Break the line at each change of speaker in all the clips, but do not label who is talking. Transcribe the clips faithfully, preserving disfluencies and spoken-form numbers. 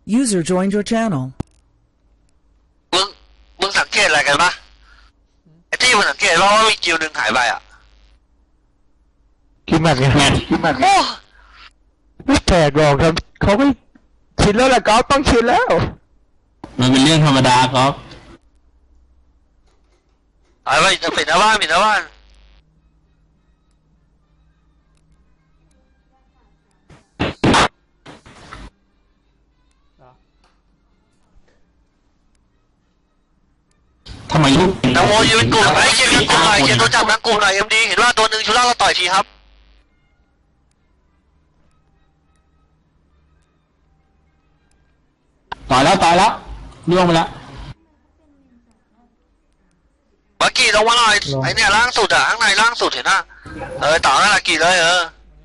User joined your channel.
มึงมึงสังเกตอะไรกันปะไอ้ที่มึงสังเกตว่าว่ามีกิวหนึ่งหายไปอ่ะ
คิดมากไงคิดมาก
โอ้
ไม่แปลกหรอกครับเขาไม่ชินแล้วแหละก๊อฟต้องชินแล้ว
มันเป็นเรื่องธรรมดาครับ
หายไปจะปิดหน้าบ้านปิดหน้าบ้าน
ทำไมลูก
ตังโมยืนกลุ่มไอ้เชี่ยยืนกลุ่มหน่อยเชี่ยตัวจับนังกลุ่มหน่อยเอ็มดีเห็นว่าตัวหนึ่งชุล่าเราต่อยทีครับ
ต่อยแล้วต่อยแล้วล่วงไปแล้ว
บักกี้ลงมาหน่อยไอ้เนี่ยล่างสุดอะข้างในล่างสุดเห็นนะเออต่อหน้าละกี่เลยเออ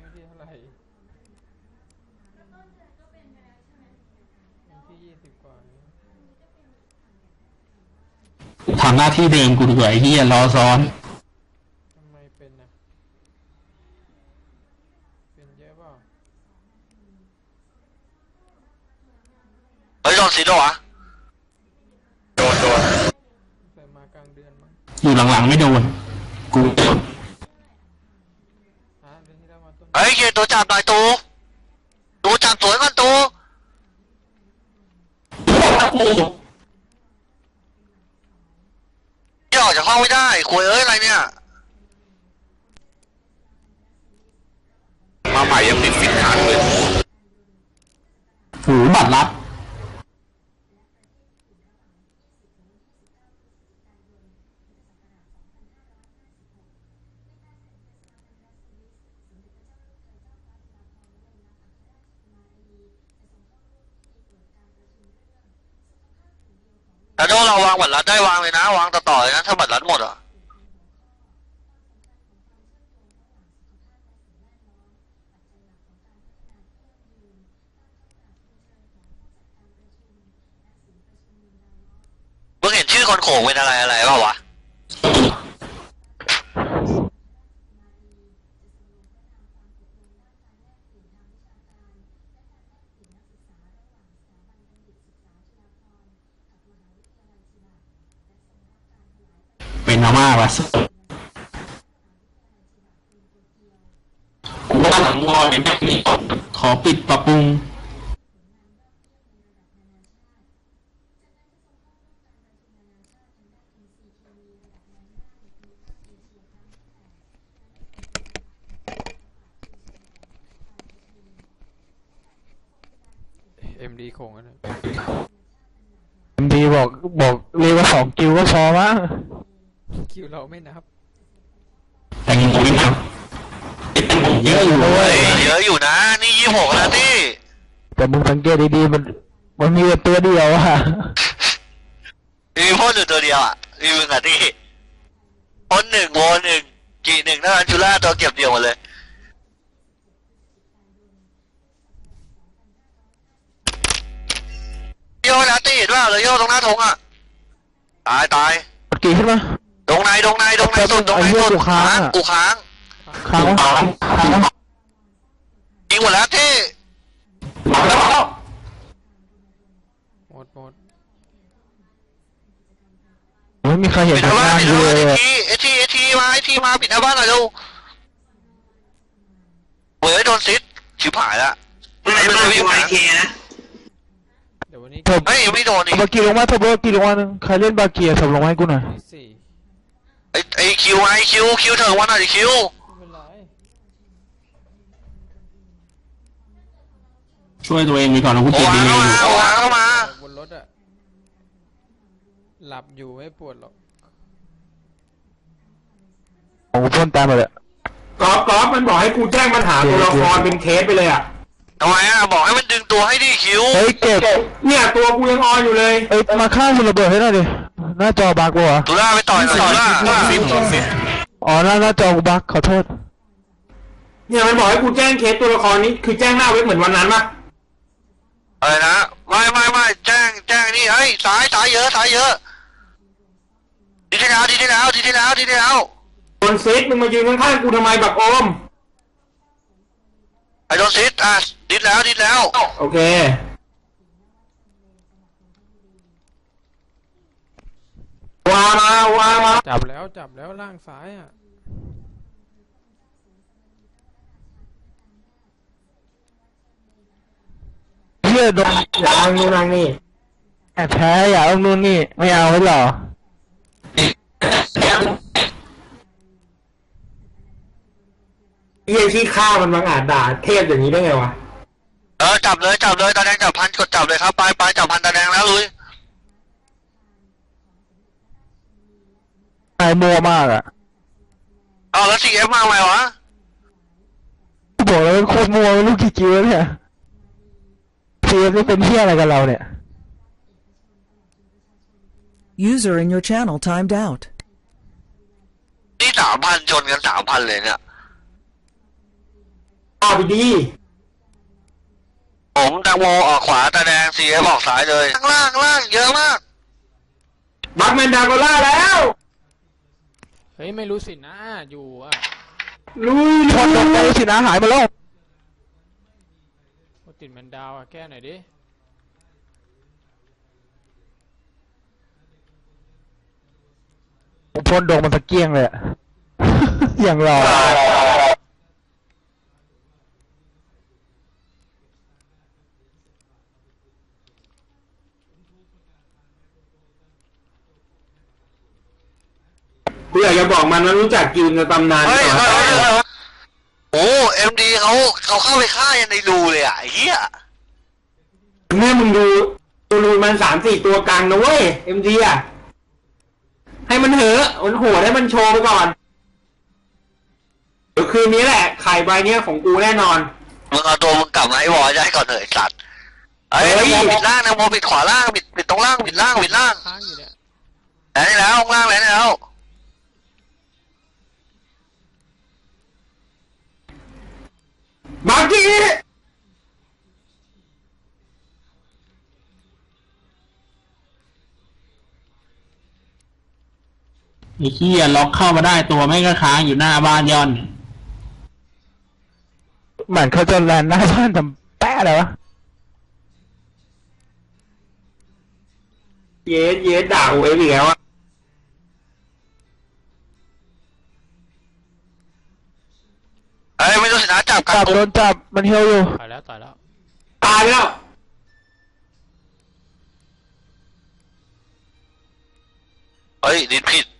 ทำหน้าที่เดิมกูดีกว่าไอ้เหี้ยรอซ้อน
ทำไมเป็นนะเป็นเยอะเปล่า
เฮ้ยโดนสีโดวะโดนโดน
ใส่มากลางเดือนมั้ง
อยู่หลังๆไม่โดนกู
เฮ้ยเกียตัวจับหน่อยตูตูจับสวยก่อนตูย่อจากห้องไม่ได้คุยเอ้ยอะไรเนี่ยมาใหม่ยังติดฟิตขาดเลย
หูบัตรลับ
แต่ถ้าเราวางบัตรลัดได้วางเลยนะวางต่อๆเลยนะถ้าบัตรลัดหมดอ่ะมึงเห็นชื่อคนโขงเป็นอะไรอะไรเปล่าวะ
เป็นมาม่าวะกูว่าหลังวอลเป็นแบบนี้ขอปิดปรับปรุง
เอ็มดีโค้งนะ
เอ็มดีบอกบอกเรียกว่าสองกิวก็พอมั้ง
คิวเราไม่นับ
แต่ยิงกูไม่นับเยอะอยู่
เลยเยอะอยู่นะนี่ยี่หกนะที่
แต่มึงสังเกตดีๆมันมันมีตัวเดียวอะ
มีพ่นอยู่ตัวเดียวอ่ะมีมึงอ่ะที่พ่นหนึ่งโวหนึ่งกี่หนึ่งนั่นจุฬาตัวเก็บเดียวหมดเลยโยนะตีเห็นว่าเลยโยตรงหน้าทงอ่ะตายตาย
กี่ขึ้นมา
ตรงไหนตรงไหนตรงไหนสุดตรงไหนสุด
กูค้าง
กูค้าง
ค้าง
ยิงหมดแล้วที่
หมดหมด
ไม่มีใครเห็นทางานเลย
ไอทีไอทีไอทีมาไอทีมาปิดหน้าบ้านหน่อยดูเว้ยโดนซิดชิบหายละไม่ไม่ไม่ไม่เคนะ
เดี๋ยววันนี้
เฮ้ยไม่โดนนี่
บากีลงมาทบกีลงมาหนึ่งใครเล่นบากีส่งลงมาให้กูหน่อย
ไอไอคิวไอคิวคิวเถอะวันหน่อยคิว
ช่วยตัวเองไปก่อนนะกูเจ็บดีเลย
เอาวางเข้ามา
บนรถอะหลับอยู่ไม่ปวดหรอก
โอ้พ่นตามมาเลย
กอล์ฟกอล์ฟมันบอกให้กูแจ้งปัญหาตัวละครเป็นเคสไปเลยอะ
ทำไมอะบอกให้มันดึงตัวให้ดิคิว
เฮ้ยเก็บ
เนี่ยตัวกูยังออนอยู่เลย
เอ้ยมาฆ่ามันระเบิดให้หน่อยดิหน้าจอบักวะ
ตุล่าไปต่อยตุล่า
อ๋อหน้าหน้าจอบักขอโทษ
เนี่ยมันบอกให้กูแจ้งเคสตัวละครนี้คือแจ้งหน้าเว็บเหมือนวันนั้นปะ
อะไรนะไม่ไม่ไม่แจ้งแจ้งนี่เฮ้ยสายสายเยอะสายเยอะดีที่แล้วดีที่แล้วดีที่แล้วดีที่แล้ว
โดนซิดมึงมายืนข้างๆกูทำไมแบบโอม
ไอโดนซิดอ่ะดิดแล้วดิดแล้ว
โอเความาวามา
จับแล้วจับแล้วล่างซ้ายอ่ะ
เชื่อโดน
อย่าอ้างนู่นอ้างนี่
แอบแพ้อย่าเอานู่นนี่ไม่เอาไว้หรอ
เฮียที่ฆ่ามันบังอาจด่าเทพอย่างนี้ได้ไงวะ
เออจับเลยจับเลยตาแดงจับพันกดจับเลยครับไปไปจับพันตาแดงแล้วลุย
ไอ้มัวมากอ่ะ
เอาแล้วซีเอฟมาไหมวะ
บอกแล้วโคตรมัวลูกกี่กิ้วเนี่ยเซียไม่เป็นเที่ยอะไรกับเราเนี่ย
User in your channel timed out.
นี่สามพันชนกันสามพันเลยเนี่ย
เอาไปดี
ผมแตงโมออกขวาตาแดงซีเอฟออกซ้ายเลยข้างล่างข้างล่างเยอะมาก
บัคแมนดาโกล่าแล้ว
เฮ้ยไม่รู้สินะอยู่อ่ะ
ลุย
ชนลงไปสินะหายมาแล้ว
โอ้ติดแมนดาวอ่ะแก้หน่อยดิ
ผมพ่นดงมันตะเกียงเลยอะ อย่างรอ
กูอยากจะบอกมันว่ารู้จักกิวในตำนาน
เฮ้ย
ก่อน
เฮ้ยเฮ้ยเฮ้ยโอ้เอ็มดีเขาเขาเข้าไปฆ่ายันในรูเลยอ่ะไอ้เหี้ย
แม่มึงดูตัวรูมันสามสี่ตัวกลางนะเว้ยเอ็มดีอ่ะให้มันเหอะมันโหดให้มันโชว์ไปก่อนเดี๋ยวคืนนี้แหละไข่ใบเนี้ยของกูแน่นอน
มึงเอาตัวมึงกลับมาให้วอลได้ก่อนเถอะไอ้สัตว์ไอ้
เฮ้
น
ย
โมปิดล่างนะโมปิดขวาล่างปิดปิดตรงล่างปิดล่างปิดล่าง
ค้างอยู่เนี่ย
แล้วนี่แล้วข้างล่างแล้วนี่แล้ว
บักกี้
ไอ้ขี้ยล็อกเข้ามาได้ตัวไม่ก็ค้างอยู่หน้าบ้านย่อน
เหมือนเขาจะแลนหน้าบ้านทำแป๊ะเลยวะ
เยสเยสด่ากูเอฟอีกแล้วอะ
ไอ้ยไม่รู้สินะจับกั
จั
น
บโดนจับมันเฮียวอยู่
ตายแล้วตายแล้ว
ตายแล้ว
เฮ้ยดิดผิด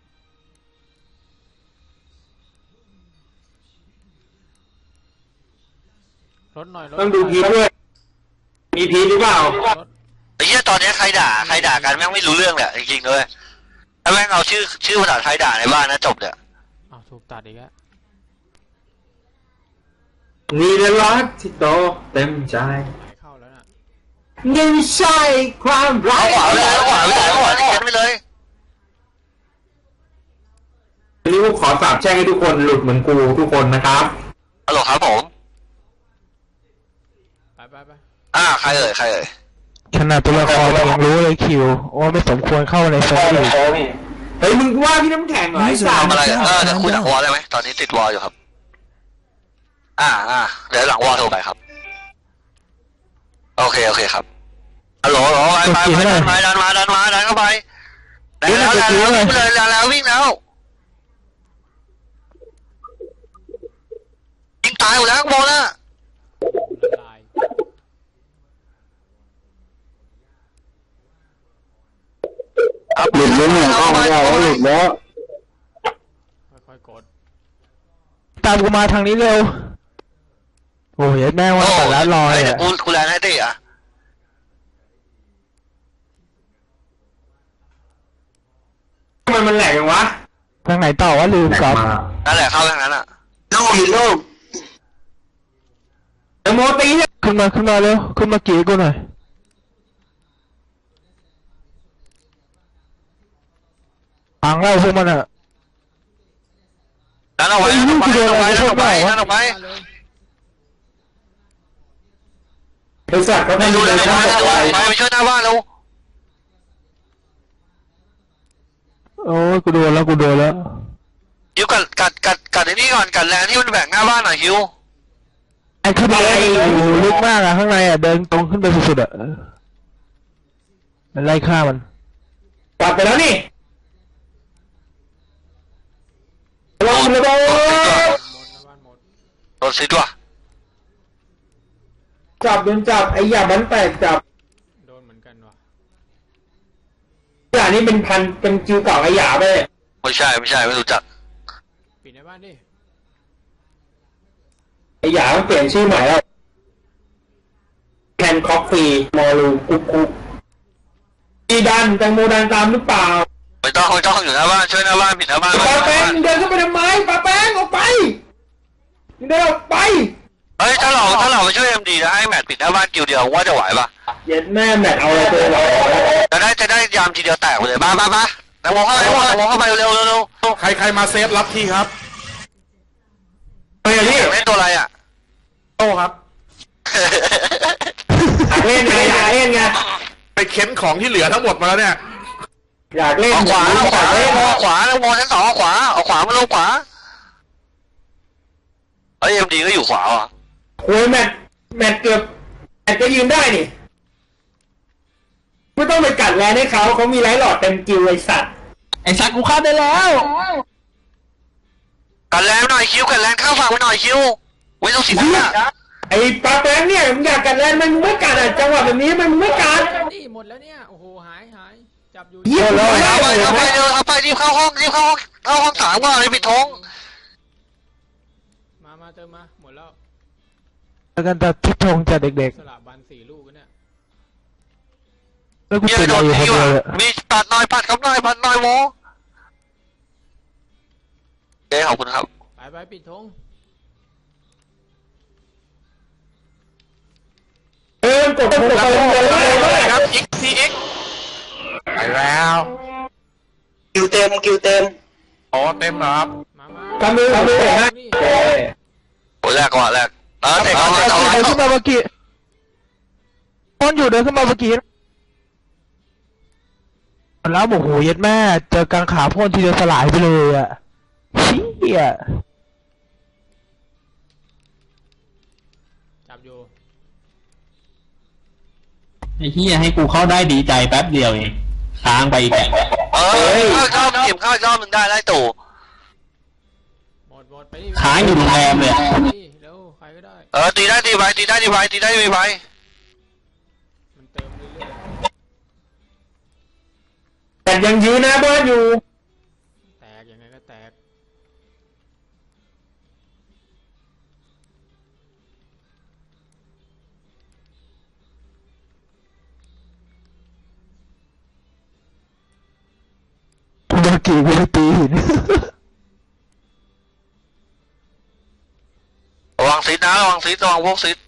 รถหน่อยรถ
ต้องดูพีทด้วยมีพีทหรือเปล่า
รถ
ไอ้เหี้ยตอนนี้ใครด่าใครด่ากันแม่งไม่รู้เรื่องเลยจริงๆเลยถ้าแม่งเอาชื่อชื่อภาษาไทยด่าในบ้านนะจบเนี่ย
อ้าวถูกตัดอีกแล้ว
มีแต่รักที่โตเต็มใจ
ไม่เข้าแล้วน่ะ
นี่ไม่ใช่ความรั
เอา
ก
ขวาไปเลยเอาขวาไปเลยเอาขวาที่เขียนไปเลย
วันนี้กูขอสาบแช่งให้ทุกคนหลุดเหมือนกูทุกคนนะครับ
ฮัลโหลครับผม
ไปไปไป
อ่าใครเอ่ยใครเอ่ย
ขนาดตัวละครเรายังรู้เลยคิวว่าไม่สมควรเข้าในเซิร์ฟอีก
เฮ้ยมึงว่าพี่น้ำแข็งเหรอไอ้สา
ทำ
ม
อะไรกันเออเดี๋ยวคุยหลังวอลได้ไหมตอนนี้ติดวอลอยู่ครับ อ่าอ่าเดี๋ยวหลังวอลโทรไปครับโอเคโอเคครับฮัลโหลฮัลโหลไปไปไปดันมาดันมาดันมาดันเข้าไปดันแล้วดันแล้ววิ่งเลยดันแล้ววิ่งแล้วยิงตายหมดแล้วโมนะ
ตาย
หลุดแล้วเนี่ยเข้ามาแล้วหลุดแล้ว
ค่อยๆกด
ตามกูมาทางนี้เร็วโอ้ยแม่งว่าแต่ละรอย
เดี๋ย
อ่ะ
วกูกูแลนให้ตีอ่ะ
ทำไมมันแหลกอย่างวะ
ทางไหนต่อวะลืมครับ
นั่นแหละเข้าทางนั้นอ่ะ
โลกอีโลกเดโมตีเนี่ย
ขึ้นมาขึ้นมาเร็วขึ้นมากี่กูหน่อยอ่างเล่าพวกมันอ่ะ
ดันออกไปดันออกไปดันออกไปดันออกไปดันออกไป
มาเลย
บริษัทเขา
ไม่
ไม่
รู้
รู้
เล
เลย ย
ไป
ว่า
ไปไปช่วยหน้าบ้านแล้ว
โอ้ยกูโดนแล้วกูโดนแล้ว
ฮิวกัดกัดกัดกัดไอ้นี่ก่อนกัดแลนที่มันแบ่งหน้าบ้านหน่อยฮิว
ไอ้ขึ้นไปเลยโอ้โหลึกมากอ่ะข้างในอ่ะเดินตรงขึ้นไปสุดๆอ่ะมันไล่ฆ่ามัน
กลับไปแล้วนี่วังระเบิด
หมดนะบ้านหมด
โดนซิดว่ะ
จับโดนจับไอ้หยามันแตกจับ
โดนเหมือนกันว่ะ
หยานี่เป็นพันเป็นคิวเก่าไอ้หยาไปเลย
ไม่ใช่ไม่ใช่ไม่รู้จัก
ปิดในบ้านดิ
ไอ้หยามันเปลี่ยนชื่อใหม่แล้วแคนคอฟฟี่มอลูกุ๊กกุ๊กดีดันแตงโมดันตามหรือเปล่า
ไม่ต้องไม่ต้องอยู่หน้าบ้านช่วยหน้าบ้านปิดหน้าบ้าน
ปาแป้งเดินเข้าไปทำไมปาแป้งออกไปเดินออกไป
เฮ้ยถ้าเราถ้าเราไปช่วยเอ็มดีนะให้แมทปิดหน้าบ้านกิวเดียวว่าจะไหวปะ
เย็ดแม่แมทเอาอะไรตัวเรา
จะได้จะได้ยามทีเดียวแตกไปเลยมามามานักมองเข้าไปนักมองเข้าไปเร็วเร็วเร็ว
ใครใครมาเซฟรับที่ครับ
เฮ้ยนี่
เล่นตัวอะไรอ่ะ
โต้ครับ
อยากเล่นไงอยากเล่นไง
ไปเค้นของที่เหลือทั้งหมดมาแล้วเนี่ย
อยากเล่น
เอาขวาเอาขวา
เล่น
เอาขวานักมองชั้นสองเอาขวาเอาขวามาลงขวาเฮ้ยเอ็มดีก็อยู่ขวาอ่ะ
โอ้ยแมทแมทเกือบแมทก็ยืนได้นี่ไม่ต้องไปกัดแรงให้เขาเขามีไลท์หลอดเต็มกิวไอสัตว์
ไอ้สัตว์กูเข้าได้แล้ว
กันแรงหน่อยคิวกันแรงเข้าฝั่งไปหน่อยคิวไม่ต้องสินะ
ไอ้ปาแป้งเนี่ยมึงอยากกัดแรงมันมึงไม่กัดอ่ะจังหวะแบบนี้มันมึงไม่กัด
นี่หมดแล้วเนี่ยโอ้โหหายหายจับอยู่
เยี่ยมเลย
เอาไปเอาไปเร็วเอาไปรีบเข้าห้องรีบเข้าห้องเข้าห้องสามก่อนเลยปิดท้อง
มามาเติมมาหมดแล้ว
แล้วกันแต่ทิศทงจากเด็ก
สลับบันสี่ลูกกันเนี่ย
ๆแล้วกู
เยี่ย
ติ
ม
ด
โด
อะไร
น
อยู่คน
ที
เดียว
ว่ะ
เลย
มีปัดหน่อยปัดครับหน่อยปัดหน่อยโมเอ้ขอบคุณครับ
ไปไปปิดธง
เออกดกดกดเลย
ครับ X T X ไปแล้ว
คิวเต็มคิวเต็ม
อ๋อเต็มเหรอครับ
มามา
ทำมือทำมือฮะ
นี่
โอ้แรกก่อนแรกเออเด็กเอา
เดิ
เอา
นขึ้นมาเมื่อกี้คนอยู่เดินขึ้นมาเมื่อกี้แล้วโอ้โหเย็ดแม่เจอกางขาพ่นทีเดียวสลายไปเลยอ่ะเชี่ย
จับอยู่
ไอ้เหี้ยให้กูเข้าได้ดีใจแป๊บเดียวเองค้างไปอีกแบบ
เออเข้าชอบเก็บเข้าชอบมึงได้ไล่ตู่
หมดหมดไปดิ
ค้างอยู่โรงแรมเลย
นี่เร็วใครก็ได้
เออตีได้ตีไปตีได้ตีไปตีได้ตีไป
มันเติมเรื่อย
แต่ยังยืนหน้าบ้านอยู่
ๆแตกยังไงก็แตก
เมื่อกี้กูไปตีหิน
ระวังซิดนะระวังซิดระวังพวกซิด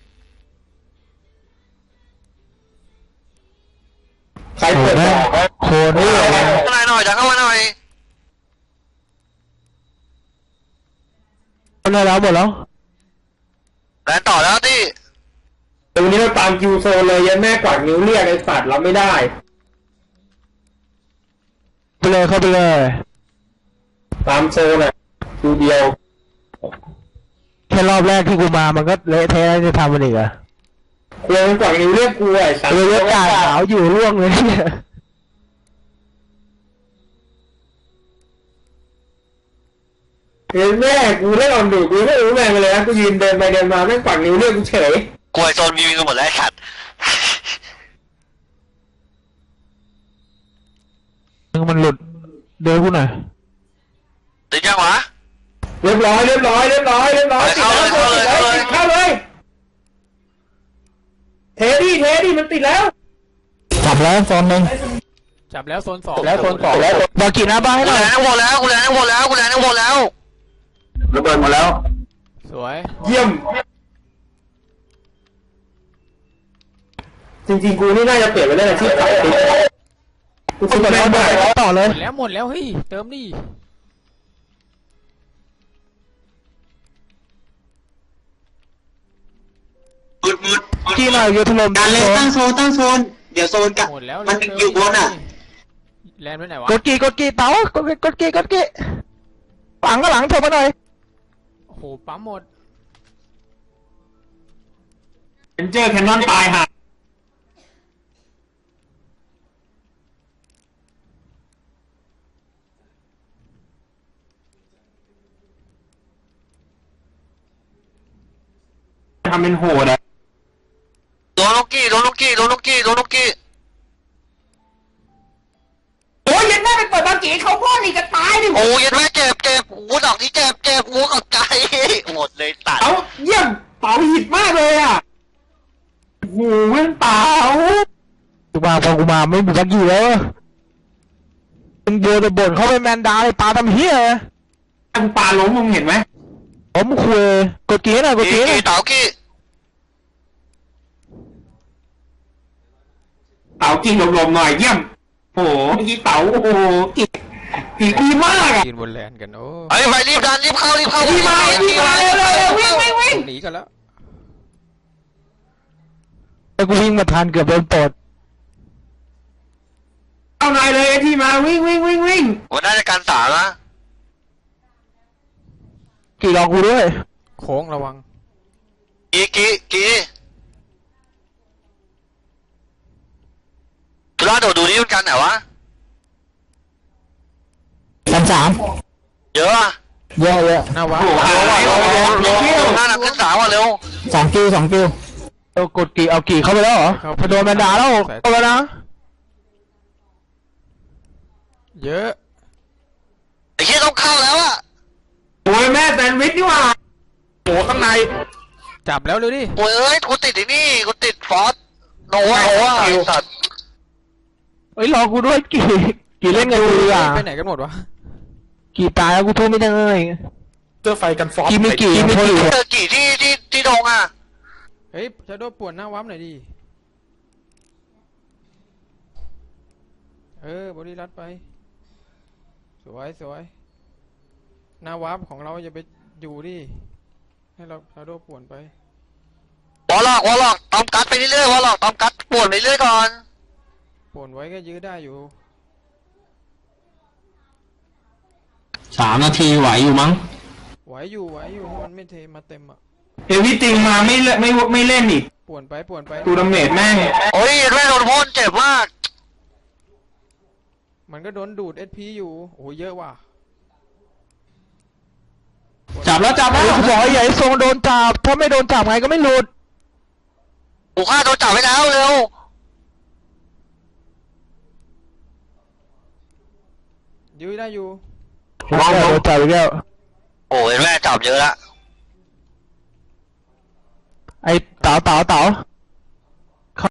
ใครเปิด
แม่งโคนนี่
เข้ามาหน่อยจะเข้ามาหน่อย
คนได้แล้วหมดแล้ว
แลนต่อแล้วที่
ตรงนี้เราตามคิวโซเลยยันแม่กวาดนิ้วเรียกไอ้สัตว์รับไม่ได้
ไปเลยเข้าไปเลย
ตามโซน่ะคิวเดียว
แค่รอบแรกที่กูมามันก็เละเทะแล้วจะทำมันอีกอะ
ควรกวาดนิ้วเรียกกูไอ้สัตว์
เลยกาขาวอยู่ร่วงเลยเนี่ย
เห็นแม่กูได้ลองดูกูไม่รู้แม่งเลยนะกูยืนเดินไปเดินมาแม่งกวาดนิ้วเรียกกูเฉย
กล้วยโซนมีมีกันหมดแล้วไอ้สัตว์
มึงมันหลุดเดินกูหน่อย
ติดยังวะ
เรียบร้อยเรียบร้อยเรียบร้อยเรียบร้อยติดแล้วติดแล้วติดเข้าเลยเทดี้เทดี้มันติดแล้ว
จับแล้วโซนหนึ่ง
จับแล้วโซนสอง
แล้วโซนสองแล้วบากินาบ้าให้
กู
หน่อ
แล
ย
นทั้งหมดแล้วกูแลนทั้งหมดแล้วกูแลนทั้งหมดแล้ว
ระเบิดหมดแล้ว
สวย
เยี่ยมจริงๆกูนี่น่าจะเปลี่ยนไปได้เลยที่ขายติ๊กกูคิดแม่งได้
ต่อเลย
หมดแล้วหมดแล้วเฮ้ยเติมดิ
มืดมืด
กี่หน่อยเยอะถล่ม
การเล่นตั้งโซนตั้งโซนเดี๋ยวโซนกับ
หมดแล้ว
มัน
เร็วๆ
อยู่บนอ่ะ
แลนด์ไว้ไหนวะ
กดกี่กดกี่เต๋ากดกดกี่กดกี่หลังก็หลังโถมาหน่อย
โอ้โหปั๊มหมด
เอ็นเจอร์แคนนอนตายห่าทำเป็นโหดอะ
โดนลูกกี้โดนลูกกี้โดนลูกกี้โดนลูกกี้
โอ้ยยันแม่ไปเปิดบางกีเขาพ่อนี่จะตายดิ
โอ้ยแม่เจ็บเจ็บวูดอกนี้เจ็บเจ็บวูกับใจหมดเลยตัด
เอาเยี่ยมเป๋าหิดมากเลยอ่ะโอ้โหแม่งเป๋า
กูมาพอกูมาไม่มีสักกี่แล้วมึงโบนบ่นเขาไปแมนดาเลยปลาทำเฮีย
ทางปลาล้มมึงเห็นไหม
ผมคุยกดกี้หน่อยกด
กี้
กี้หน่อ
กี้
ย
เต๋ากี้
เป๋ากินหลบๆหน่อยเยี่ยมโอ้โหเมื่อกี้เป๋าโอ้โหกินกินดีมากอ่ะ
ยืนบนแลนกันโอ้
ไอ้ไปรีบดันรีบเข้ารีบเข้า
ดีมาดีมาเร็วเร็วเร็ววิ่งวิ่งวิ่ง
หนีกันแล้ว
ไอ้กูวิ่งมาทันเกือบโดนปลด
เอาหน่อยเลยไอ้ที่มาวิ่งวิ่งวิ่งวิ่ง
วันน่าจะการสามนะ
กี่รองกูด้วย
โค้งระวัง
กี้กี้กี้ทุล่าโดดดูนี่มันกันไหนวะ
สามสาม
เยอะอะ
เยอะเยอะ
หน้าวัด
โอ้โห
เร็วเร็วเร็วเร็วหน้าหนักขึ้นสามว่ะเร็ว
สองคิวสองคิวเอากดกี่เอากี่เข้าไปแล้วเหรอพอโดนแมนดาแล้วเข้าไปนะ
เยอะ
ไอ้เหี้ยต้องเข้าแล้วอะ
โอ้ยแม่แซนด์วิชนี่หว่า
โอ้ข้างใน
จับแล้วเลยดิ
โอ้ยเอ้ยกูติดไอ้นี่กูติดฟอสโนวะโนวะไอ้สัตว์
เอ้ยรอกูด้วยกี่กี่เล่นกันดีอ่ะ
ไปไหนกันหมดวะ
กี่ตายแล้วกูทุ่มไม่ได้เลย
เสื้อไฟกันฟอส
กี่มีกี่มีกี่
เจอกี่ที่ที่ที่ดงอะ
เฮ้ยชาโดว์ป่วนหน้าวับหน่อยดิเออบริรัดไปสวยสวยหน้าวับของเราอย่าไปอยู่ดิให้เราชาโดว์ป่วนไป
วอลล็อกวอลล็อกตอมกัดไปเรื่อยๆวอลล็อกตอมกัดปวดไปเรื่อยก่อน
ป่วนไว้ก็ยื้อได้อยู่
สามนาทีไหวอยู่มั้ง
ไหวอยู่ไหวอยู่ให้มันไม่เทมาเต็มอ่ะ
เฮวิติงมาไม่เล่นไม่ไม่เล่นอีก
ป่วนไปป่วนไป
ตูดาเมจแม่ง
โอ้ยแม่โดนพ่นเจ็บมาก
มันก็โดนดูดเอสพีอยู่โอ้เยอะว่ะ
จับแล้วจับแล้ว
กูบอกไอ้ใหญ่ทรงโดนจับถ้าไม่โดนจับไงก็ไม่หลุด
กูฆ่าโดนจับไว้แล้วเร็ว
ยื้อได้อยู่
โดนจับอีกแล้ว
โอ้ยแม่จับเยอะละ
ไอ้เต๋าเต๋าเต๋า